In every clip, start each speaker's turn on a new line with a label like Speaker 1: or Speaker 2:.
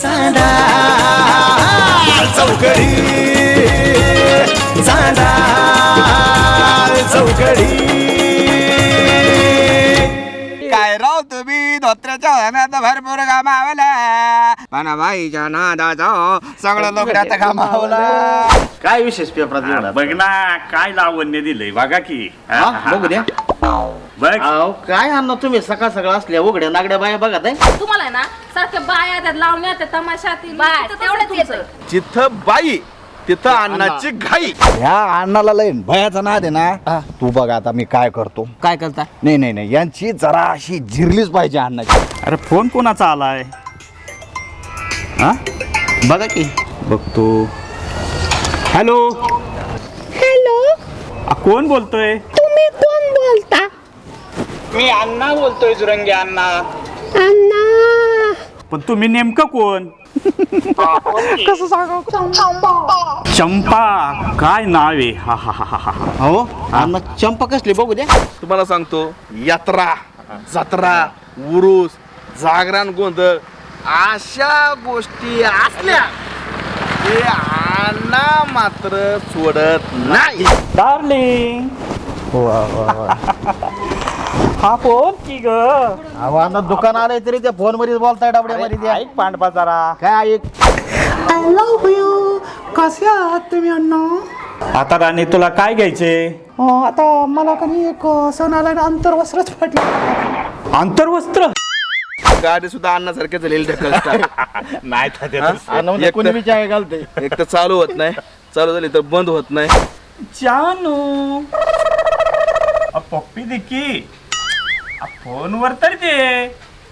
Speaker 1: चांदा चौकडी चांदा चौकडी.
Speaker 2: काय राव तुम्ही धोत्र्याच्या हनात भरपूर कामावला पण बाईच्या नादाचा सगळं लोक आता कामावला.
Speaker 3: काय विशेष पेपरात लिहिलं?
Speaker 4: बघ ना काय लावण्य दिलंय बघा की.
Speaker 3: बघू द्या.
Speaker 4: बघ
Speaker 3: अहो काय अण्णा तुम्ही सकाळ सकाळ असल्या उघड्या नागड्या बाया बघत आहे.
Speaker 5: तुम्हाला ना सारख्या बाया त्यात लावण्या त्या तमाशातील तेवढंच येतं.
Speaker 6: जिथं बाई तिथं अन्नाची घाई.
Speaker 2: ह्या अण्णाला लय भयाचा नाद आहे ना. तू बघ आता मी काय करतो.
Speaker 3: काय करता?
Speaker 2: नाही नाही नाही यांची जरा अशी झिरलीच पाहिजे अण्णाची.
Speaker 4: अरे फोन कोणाचा आलाय? हा
Speaker 3: बघा की.
Speaker 4: बघतो. हॅलो
Speaker 7: हॅलो,
Speaker 4: कोण बोलतोय?
Speaker 7: तुम्ही कोण बोलता?
Speaker 4: मी अण्णा बोलतोय जुरंगे अण्णा.
Speaker 7: अण्णा.
Speaker 4: पण तुम्ही नेमकं कोण?
Speaker 7: कसं सांगू?
Speaker 4: चंपा काय नाव आहे? हा हा हा हा हा.
Speaker 3: हो अण्णा चंपा कसली बघू द्या.
Speaker 6: तुम्हाला सांगतो यात्रा जत्रा उरूस जागरण गोंधळ अशा गोष्टी असल्या ते अण्णा मात्र सोडत नाही.
Speaker 4: डार्लिंग हा फोन की ग?
Speaker 3: अहो अण्णा दुकान आलंय तरी त्या फोन मध्ये बोलताय डबड्यामध्ये द्या.
Speaker 4: ऐक पांडवा जरा.
Speaker 3: काय ऐक?
Speaker 7: I love you. कसे आहात तुम्ही अण्णा?
Speaker 4: आता राणी तुला काय घ्यायचे?
Speaker 7: आता मला कधी एक सणाला अंतर्वस्त्रच पडलं.
Speaker 4: आंतरवस्त्र?
Speaker 6: गाडी सुद्धा अन्नासारखे झालेली ढकल
Speaker 4: नाही
Speaker 3: अण्णा म्हणजे
Speaker 6: एक
Speaker 3: कोणी
Speaker 6: तर-
Speaker 3: विचार घालते.
Speaker 6: एक तर चालू होत नाही, चालू झाली तर बंद होत नाही.
Speaker 4: जानू पप्पी दे की फोनवर तर दे.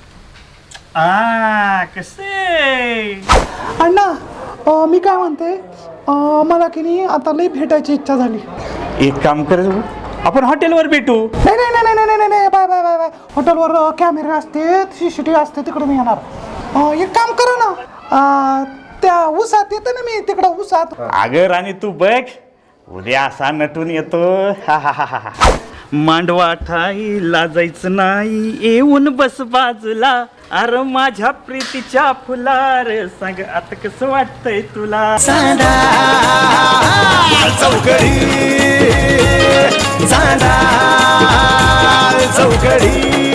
Speaker 4: कसे
Speaker 7: अण्णा मी काय म्हणते, मला की नाही आता लई भेटायची इच्छा झाली.
Speaker 4: एक काम कर, आपण हॉटेलवर भेटू.
Speaker 7: नाही नाही नाही नाही नाही नाही बाय बाय बाय बाय. हॉटेलवर कॅमेरे असते, CCTV असते, तिकडे मी येणार. एक काम करा ना, त्या उसात येते ना मी, तिकडं उसात.
Speaker 4: अगं राणी तू बघ, उद्या असा नटून येतो. हा हा हा हा. मांडवा ठाईला जायचं नाही, येऊन बस बाजूला. अरे माझ्या प्रीतीच्या फुलार सांग आता कसं वाटतंय तुला?
Speaker 1: चांदा चौकडी चांदा चौकडी.